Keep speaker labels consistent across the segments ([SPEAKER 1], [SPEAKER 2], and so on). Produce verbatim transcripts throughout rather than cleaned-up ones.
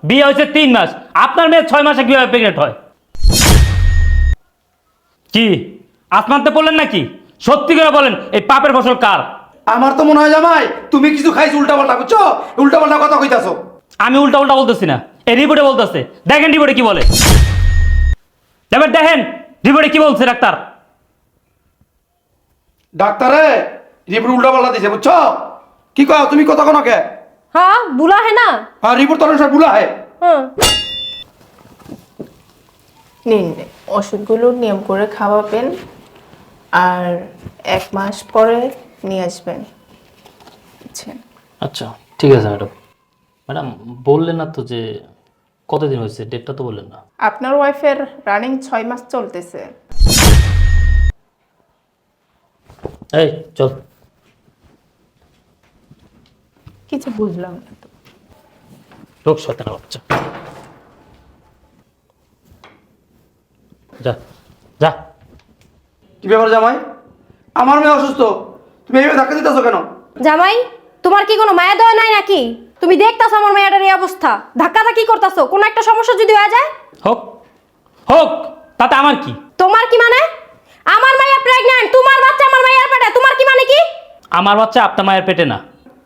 [SPEAKER 1] বিয়ে হয়েছে তিন মাস, আপনার মেয়ে ছয় মাসে কিভাবে প্রেগনেন্ট হয়? কি আসমানতে বললেন নাকি? সত্যি করে বলেন, এই পাপের ফসল কার?
[SPEAKER 2] আমার তো মনে হয় জামাই তুমি কিছু খাইছো উল্টা পাল্টা, বুঝছো? উল্টা পাল্টা কথা কইতাছো।
[SPEAKER 1] আমি উল্টা উল্টা বলতেছি না, এই রিপোর্টে বলতেছে। দেখেন রিপোর্টে কি বলে, এবার দেখেন রিপোর্টে কি বলছে ডাক্তার।
[SPEAKER 2] ডাক্তারে রিপোর্ট উল্টা পাল্টা দিছে, বুঝছো? কি কও তুমি কথা কোন কে?
[SPEAKER 3] हाँ बुला है ना।
[SPEAKER 2] আর রিপোর্ট তো অনুসার ভুলা হয়।
[SPEAKER 3] हाँ
[SPEAKER 4] নিন ওষুধগুলো নিয়ম করে খাওয়াবেন আর এক মাস পরে নিয়ে আসবেন। আচ্ছা
[SPEAKER 1] আচ্ছা ঠিক আছে ম্যাডাম। ম্যাডাম বললেন না তো যে কতদিন হয়েছে, ডেটটা তো বললেন না।
[SPEAKER 4] আপনার ওয়াইফের রানিং ছয় মাস চলতেছে।
[SPEAKER 1] এই চল।
[SPEAKER 4] কিছু বুঝলাম না তো।
[SPEAKER 1] লোক শয়তানের বাচ্চা, যা যা।
[SPEAKER 2] কি ব্যাপার জামাই? আমার মেয়ে অসুস্থ, তুমি এইভাবে ধাক্কা দিতেছো কেন?
[SPEAKER 3] জামাই তোমার কি কোনো মায়া দয়া নাই নাকি? তুমি দেখতাছো আমার মেয়েটার এই অবস্থা, ধাক্কা ধাক্কি করতাছো, কোনো একটা সমস্যা যদি হয়ে যায়।
[SPEAKER 1] হোক হোক, তাতে আমার কি?
[SPEAKER 3] তোমার কি মানে? আমার মাইয়া প্রেগন্যান্ট, তোমার বাচ্চা আমার মাইয়ার পেটে, তোমার কি মানে কি?
[SPEAKER 1] আমার বাচ্চা আপনার মায়ের পেটে না।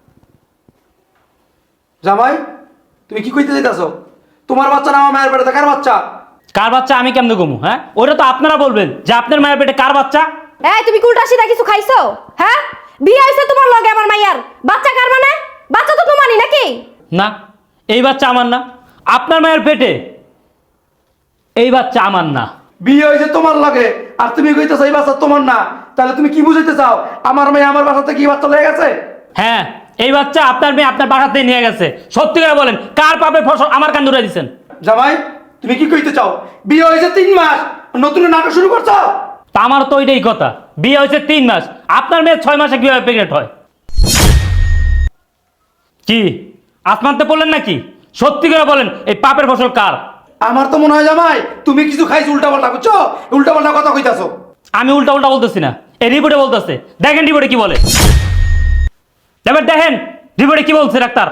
[SPEAKER 2] জামাই তুমি কি কইতে চাইতাছো? তোমার বাচ্চা না আমার মায়ের পেটে, কার বাচ্চা?
[SPEAKER 1] কার বাচ্চা আমি কেমনে গমু? হ্যাঁ, ওটা তো আপনারা বলবেন যে আপনার মায়ের পেটে কার বাচ্চা।
[SPEAKER 3] এই তুমি উল্টা সিধা কিছু খাইছো? হ্যাঁ, বিয়ে হইছে তোমার লগে আমার মাইয়ার, বাচ্চা কার মানে? বাচ্চা তো তোমারই নাকি?
[SPEAKER 1] না, এই বাচ্চা আমার না, আপনার মায়ের পেটে এই বাচ্চা আমার না।
[SPEAKER 2] বিয়ে হয়েছে তোমার লাগে আর তুমি কইতেছো এই বাচ্চা তোমার না, তাহলে তুমি কি বুঝাইতে চাও? আমার মেয়ে আমার বাসাতে কি বাচ্চা লেগে গেছে?
[SPEAKER 1] হ্যাঁ, এই বাচ্চা আপনার মেয়ে আপনার বাসাতে নিয়ে গেছে। সত্যি করে বলেন, কার পাপের ফসল আমার কান ধরে দিচ্ছেন?
[SPEAKER 2] জামাই তুমি কি কইতে চাও? বিয়ে হয়েছে তিন মাস নতুন নাটক শুরু করছো?
[SPEAKER 1] তা আমার তো ওইটাই কথা, বিয়ে হয়েছে তিন মাস, আপনার মেয়ে ছয় মাসে কিভাবে প্রেগনেন্ট হয়? কি আসমানতে বললেন নাকি? সত্যি করে বলেন, এই পাপের ফসল কার?
[SPEAKER 2] আমার তো মনে হয় জামাই তুমি কিছু খাইছো উল্টা পাল্টা, বুঝছো? উল্টা পাল্টা কথা কইতাছো।
[SPEAKER 1] আমি উল্টা উল্টা বলতেছি না, এই রিপোর্টে বলতেছে। দেখেন রিপোর্টে কি বলে, এবার দেখেন রিপোর্টে কি বলছে ডাক্তার।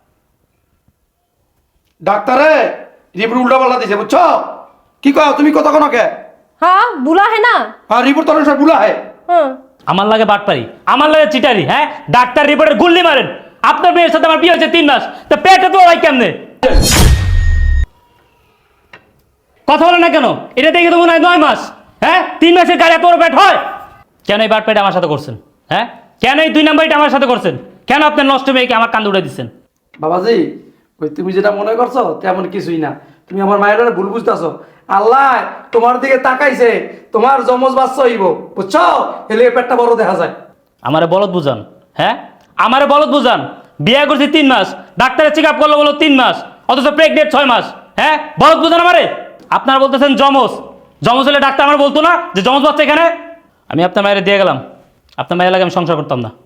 [SPEAKER 2] ডাক্তারে রিপোর্ট উল্টা পাল্টা দিছে, বুঝছো? কি কও তুমি কথা কোন কে?
[SPEAKER 3] हाँ बुला है ना।
[SPEAKER 2] আর রিপোর্ট তো অনুসার ভুলা হয়।
[SPEAKER 3] हाँ
[SPEAKER 1] আমার লাগে বাটপারি, আমার লাগে চিটারি। হ্যাঁ, ডাক্তার রিপোর্টের গুল্লি মারেন। আপনার মেয়ের সাথে আমার বিয়ে হয়েছে তিন মাস, তা পেটে তো ভাই কেমনে? কথা বলে না কেন? এটা দেখে তো মনে হয় নয় মাস। হ্যাঁ, তিন মাসের গাড়ি এত বড় পেট হয়? কেন এই বাটপাইটা আমার সাথে করছেন? হ্যাঁ, কেন এই দুই নাম্বারটা আমার সাথে করছেন? কেন আপনার নষ্ট মেয়েকে আমার কান্দে উড়ে দিচ্ছেন?
[SPEAKER 2] বাবাজি ওই তুমি যেটা মনে করছো তেমন কিছুই না, তুমি আমার মায়ের ভুল বুঝতেছো। আল্লাহ তোমার দিকে তাকাইছে, তোমার জমজ বাচ্চা হইব, বুঝছো? এলে পেটটা বড় দেখা যায়।
[SPEAKER 1] আমারে বলদ বুঝান। হ্যাঁ, আমারে বলদ বুঝান। বিয়ে করছি তিন মাস, ডাক্তারের চেক আপ করলো বলো তিন মাস, অথচ প্রেগনেন্ট ছয় মাস। হ্যাঁ, বলদ বুঝান আমারে। আপনারা বলতেছেন জমজ, জমজ হলে ডাক্তার আমার বলতো না যে জমজ বাচ্চা এখানে? আমি আপনার মায়ের দিয়ে গেলাম, আপনার মায়ের লাগে আমি সংসার করতাম না।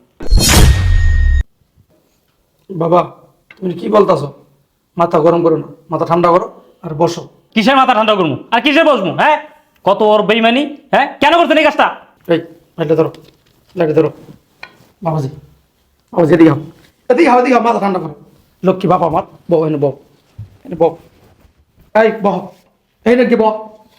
[SPEAKER 2] বাবা তুমি কি বলতাছো? মাথা গরম করো না, মাথা ঠান্ডা করো আর বসো।
[SPEAKER 1] কিসের মাথা ঠান্ডা করবো আর কিসের বসবো? হ্যাঁ, কত ওর বেইমানি। হ্যাঁ, কেন করছেন এই কাজটা?
[SPEAKER 2] এই লাইটটা ধরো, লাইটটা ধরো। বাবাজি বাবাজি এদিকে আও, এদিকে আও, এদিকে আও, মাথা ঠান্ডা করো। লক্ষ্মী বাবা আমার, বউ এনে বউ, এনে বউ। এই বহ, এই নাকি বহ।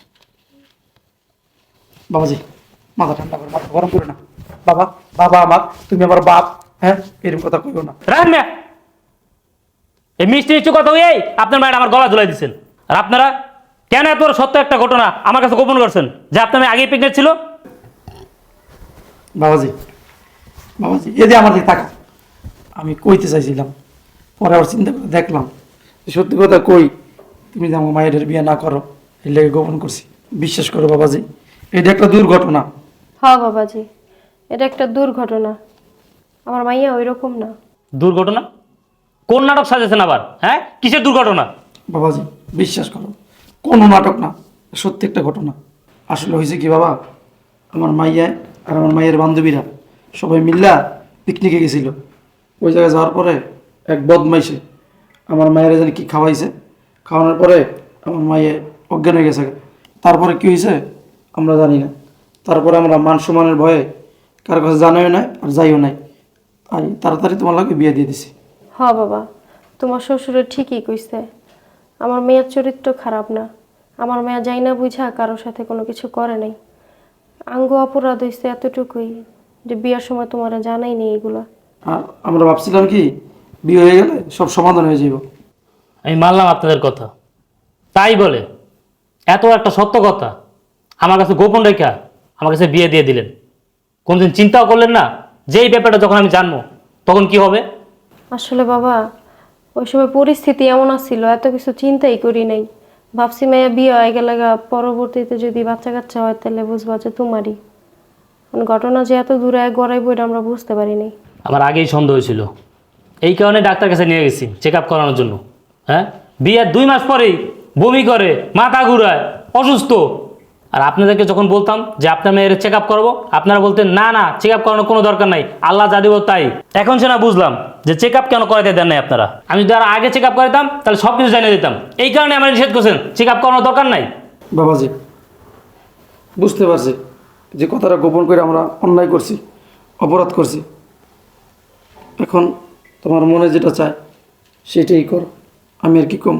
[SPEAKER 2] বাবাজি মাথা ঠান্ডা করো, মাথা গরম করো না। বাবা বাবা আমার, তুমি আমার বাপ। হ্যাঁ, এরকম কথা কইও না।
[SPEAKER 1] রাখেন না এই মিষ্টি মিষ্টি কথা হয়ে আপনার মায়ের আমার গলা ঝুলাই দিচ্ছেন। আর আপনারা কেন এত বড় সত্য একটা ঘটনা আমার কাছে গোপন করছেন যে আপনার মেয়ে আগেই প্রেগনেন্ট ছিল?
[SPEAKER 2] বাবাজি বাবাজি এদি আমার দিকে তাকা। আমি কইতে চাইছিলাম, পরে আবার চিন্তা করে দেখলাম যে সত্যি কথা কই, তুমি যে আমার মায়ের বিয়ে না করো এই লেগে গোপন করছি। বিশ্বাস করো বাবাজি, এটা একটা দুর্ঘটনা।
[SPEAKER 3] हाँ বাবাজি, এটা একটা দুর্ঘটনা, আমার মাইয়া ওই রকম না।
[SPEAKER 1] দুর্ঘটনা? কোন নাটক সাজেছেন আবার? হ্যাঁ, কিসের দুর্ঘটনা?
[SPEAKER 2] বাবাজি বিশ্বাস করো, কোনো নাটক না, সত্যি একটা ঘটনা। আসলে হয়েছে কি বাবা, আমার মাইয়া আর আমার মায়ের বান্ধবীরা সবাই মিল্লা পিকনিকে গেছিল। ওই জায়গায় যাওয়ার পরে এক বদমাইশে আমার মায়ের জানি কি খাওয়াইছে, খাওয়ানোর পরে আমার মায়ে অজ্ঞান হয়ে গেছে। তারপরে কি হয়েছে আমরা জানি না। তারপরে আমরা মান সম্মানের ভয়ে কার কাছে জানাইও নাই আর যাইও নাই, তাই তাড়াতাড়ি তোমার লাগে বিয়ে দিয়ে দিছি।
[SPEAKER 3] हाँ বাবা, তোমার শ্বশুরে ঠিকই কইছে, আমার মেয়ের চরিত্র খারাপ না, আমার মেয়ে যাই না বুঝা কারোর সাথে কোনো কিছু করে নাই। আঙ্গ অপরাধ হয়েছে এতটুকুই যে বিয়ার সময় তোমার জানাই নেই এগুলা।
[SPEAKER 2] আর আমরা ভাবছিলাম কি বিয়ে হয়ে গেলে সব সমাধান হয়ে যাব।
[SPEAKER 1] আমি মানলাম আপনাদের কথা, তাই বলে এত একটা সত্য কথা আমার কাছে গোপন রেখা আমার কাছে বিয়ে দিয়ে দিলেন। কোনদিন চিন্তাও করলেন না যে এই ব্যাপারটা যখন আমি জানবো তখন কি হবে?
[SPEAKER 3] আসলে বাবা ওই সময় পরিস্থিতি এমন আসছিল, এত কিছু চিন্তাই করি নাই। ভাবছি মেয়ে বিয়ে হয়ে গেলে গা, পরবর্তীতে যদি বাচ্চা কাচ্চা হয় তাহলে বুঝবা যে তোমারই। মানে ঘটনা যে এত দূরে গড়াইব এটা আমরা বুঝতে পারিনি।
[SPEAKER 1] আমার আগেই সন্দেহ হয়েছিল, এই কারণে ডাক্তার কাছে নিয়ে গেছি চেক আপ করানোর জন্য। হ্যাঁ, বিয়ের দুই মাস পরেই বমি করে, মাথা ঘুরায়, অসুস্থ। আর আপনাদেরকে যখন বলতাম যে আপনার মেয়ের চেক আপ করবো, আপনারা বলতেন না না চেক আপ করানোর কোনো দরকার নাই, আল্লাহ যা দিব তাই। এখন সে না বুঝলাম যে চেক আপ কেন করাতে দেন নাই আপনারা। আমি যদি আর আগে চেক আপ করাতাম তাহলে সব কিছু জানিয়ে দিতাম। এই কারণে আমার নিষেধ করছেন চেক আপ করানোর দরকার নাই।
[SPEAKER 2] বাবাজি বুঝতে পারছি যে কথাটা গোপন করে আমরা অন্যায় করছি, অপরাধ করছি। এখন তোমার মনে যেটা চায় সেটাই করো, আমি আর কি কম।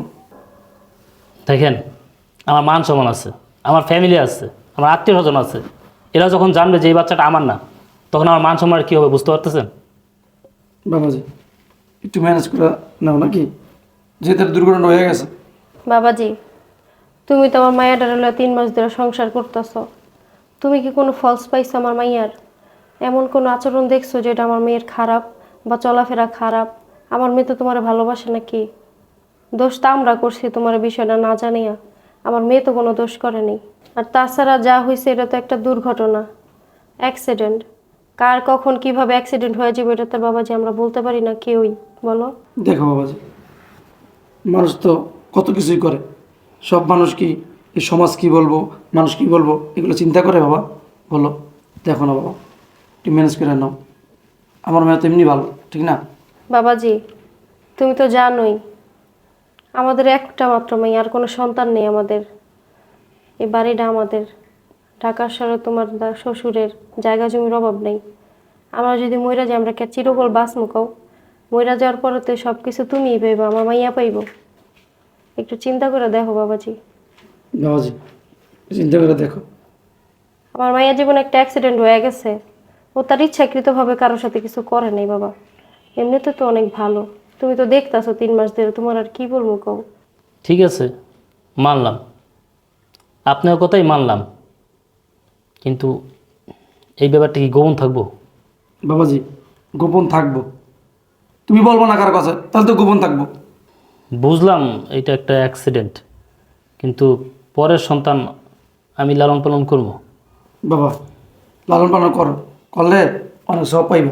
[SPEAKER 1] দেখেন, আমার মান সম্মান আছে, আমার ফ্যামিলি আছে, আমার আত্মীয় স্বজন আছে। এরা যখন জানবে যে এই বাচ্চাটা আমার না, তখন আমার মান সম্মান কী হবে বুঝতে পারতেছেন?
[SPEAKER 2] বাবাজি একটু ম্যানেজ করে নাও নাকি, যেহেতু দুর্ঘটনা হয়ে গেছে।
[SPEAKER 3] বাবাজি তুমি তো আমার মায়াটার হলে তিন মাস ধরে সংসার করতেছ, তুমি কি কোনো ফলস পাইছো আমার মাইয়ার? এমন কোনো আচরণ দেখছো যেটা আমার মেয়ের খারাপ বা চলাফেরা খারাপ? আমার মেয়ে তো তোমার ভালোবাসে নাকি? দোষটা আমরা করছি তোমার বিষয়টা না জানিয়া। আমার মেয়ে তো কোনো দোষ করেনি। আর তাছাড়া যা হয়েছে এটা তো একটা দুর্ঘটনা, অ্যাক্সিডেন্ট। কার কখন কিভাবে অ্যাক্সিডেন্ট হয়ে যাবে এটা তো বাবাজি আমরা বলতে পারি না কেউই, বলো।
[SPEAKER 2] দেখো বাবাজি, মানুষ তো কত কিছুই করে। সব মানুষ কি এই সমাজ কি বলবো, মানুষ কি বলবো এগুলো চিন্তা করে বাবা? বলো, দেখো না বাবা, একটু ম্যানেজ করে নাও। আমার মেয়ে তো এমনি ভালো, ঠিক না?
[SPEAKER 3] বাবাজি তুমি তো জানোই আমাদের একটা মাত্র মেয়ে, আর কোনো সন্তান নেই আমাদের। এই বাড়িটা আমাদের, ঢাকার শহরে তোমার দা- শ্বশুরের জায়গা জমির অভাব নেই। আমরা যদি মইরা যাই আমরা কে চিরকল বাস মুখাও, মইরা যাওয়ার পরে তো সব কিছু তুমিই পাইবো, আমার মাইয়া পাইব। একটু চিন্তা করে দেখো বাবাজি।
[SPEAKER 2] বাবাজি চিন্তা করে দেখো।
[SPEAKER 3] আমার মাইয়া জীবনে একটা অ্যাক্সিডেন্ট হয়ে গেছে, ও তার ইচ্ছাকৃতভাবে কারোর সাথে কিছু করে নাই বাবা। এমনিতে তো অনেক ভালো, তুমি তো দেখতাছো তিন মাস ধরে, তোমার আর কি বলবো কও।
[SPEAKER 1] ঠিক আছে, মানলাম, আপনার কথাই মানলাম, কিন্তু এই ব্যাপারটা কি গোপন থাকবো?
[SPEAKER 2] বাবাজি গোপন থাকবো, তুমি বলবো না কার কাছে, তাহলে তো গোপন থাকবো।
[SPEAKER 1] বুঝলাম এটা একটা অ্যাক্সিডেন্ট, কিন্তু পরের সন্তান আমি লালন পালন করবো।
[SPEAKER 2] বাবা লালন পালন করো, করলে অনেক সব পাইবা।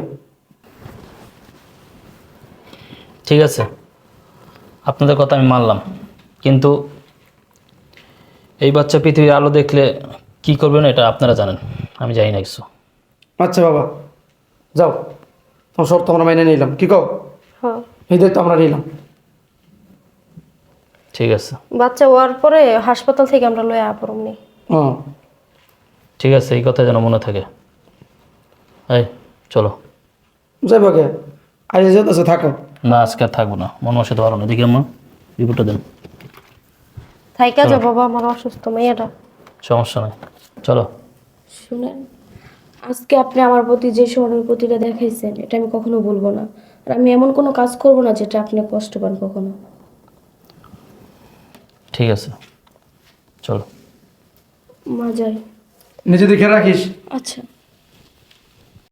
[SPEAKER 1] ঠিক আছে, আপনাদের কথা আমি মানলাম, কিন্তু এই বাচ্চা পৃথিবীর আলো দেখলে কি করবেন এটা আপনারা জানেন, আমি জানি না কিছু।
[SPEAKER 2] আচ্ছা বাবা যাও, তোমার সব তো আমরা মেনে নিলাম, কি কও?
[SPEAKER 3] হ্যাঁ,
[SPEAKER 2] এই দায়িত্ব আমরা নিলাম।
[SPEAKER 1] ঠিক আছে,
[SPEAKER 3] বাচ্চা হওয়ার পরে হাসপাতাল থেকে আমরা লয়ে আপরমনি।
[SPEAKER 2] হ্যাঁ
[SPEAKER 1] ঠিক আছে, এই কথা যেন মনে থাকে। এই চলো।
[SPEAKER 2] যাই বাকে আজ যেতেছে, থাকো।
[SPEAKER 1] না আজকে আর থাকবো না, মন বসাতে পারো না। দেখি আম্মা রিপোর্টটা দেন।
[SPEAKER 3] থাইকা যাও বাবা, আমার অসুস্থ মেয়েটা।
[SPEAKER 1] সমস্যা নাই, চলো।
[SPEAKER 5] শুনেন, আজকে আপনি আমার প্রতি যে সহানুভূতিটা দেখাইছেন এটা আমি কখনো ভুলবো না। আর আমি এমন কোনো কাজ করব না যেটা আপনি কষ্ট পান কখনো।
[SPEAKER 1] ঠিক আছে, চলো।
[SPEAKER 5] মা যাই।
[SPEAKER 2] নিজে দেখে রাখিস।
[SPEAKER 5] আচ্ছা।